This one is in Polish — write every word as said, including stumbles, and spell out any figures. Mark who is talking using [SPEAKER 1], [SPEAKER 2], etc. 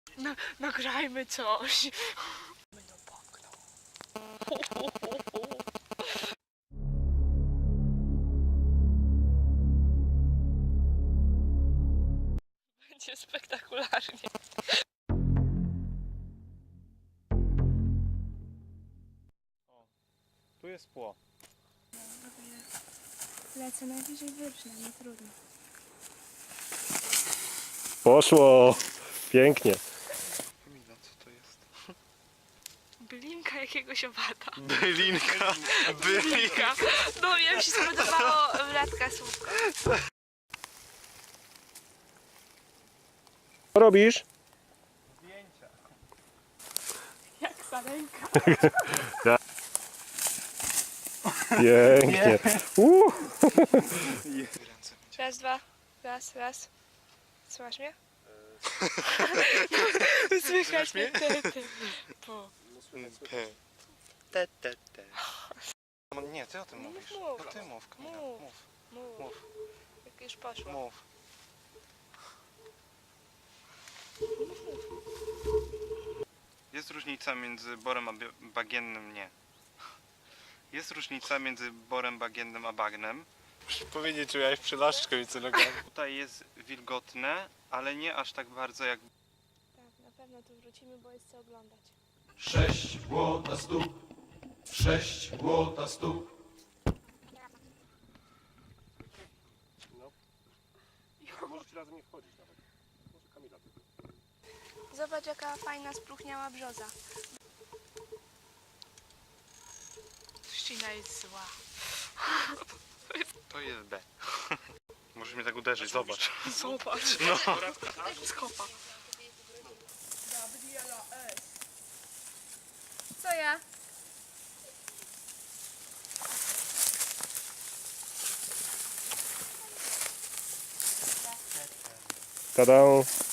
[SPEAKER 1] No, nagrajmy coś. Będą poknął. Będzie spektakularnie.
[SPEAKER 2] O, tu jest pło.
[SPEAKER 1] Lecę najwyżej wyrżnę, nie trudno.
[SPEAKER 2] Poszło! Pięknie.
[SPEAKER 3] Kamila, co to jest?
[SPEAKER 1] Bylinka jakiegoś owada.
[SPEAKER 3] Bylinka, bylinka.
[SPEAKER 1] No mi się spodobało latka słówko.
[SPEAKER 2] Co robisz?
[SPEAKER 3] Zdjęcia.
[SPEAKER 1] Jak sarenka.
[SPEAKER 2] Pięknie. Uh.
[SPEAKER 1] Raz, dwa. Raz, raz. Słuchasz mnie? Słychać mnie? Te, te. Po.
[SPEAKER 3] P. Te, te, te. No nie, ty o tym
[SPEAKER 1] No
[SPEAKER 3] mówisz.
[SPEAKER 1] mów.
[SPEAKER 3] To ty mów, Kamila.
[SPEAKER 1] Mów.
[SPEAKER 3] Mów,
[SPEAKER 1] Mów.
[SPEAKER 3] mów,
[SPEAKER 1] Jak już poszło.
[SPEAKER 3] mów. Jest różnica między borem a bie- bagiennym, nie. Jest różnica między borem bagiennym a bagnem.
[SPEAKER 4] Muszę powiedzieć, czy miałeś przylaszczkę między nogami.
[SPEAKER 3] Tutaj jest wilgotne, ale nie aż tak bardzo jak...
[SPEAKER 1] Tak, na pewno tu wrócimy, bo jest co oglądać.
[SPEAKER 5] Sześć błota stóp, sześć błota stóp.
[SPEAKER 2] Możecie razem nie wchodzić nawet. Może Kamila tylko.
[SPEAKER 1] Zobacz, jaka fajna spróchniała brzoza. Trzcina jest zła.
[SPEAKER 3] To jest B. Możesz mnie tak uderzyć, zobacz.
[SPEAKER 1] Zobacz.
[SPEAKER 3] No.
[SPEAKER 1] Skopa.
[SPEAKER 6] Co ja?
[SPEAKER 2] Tada!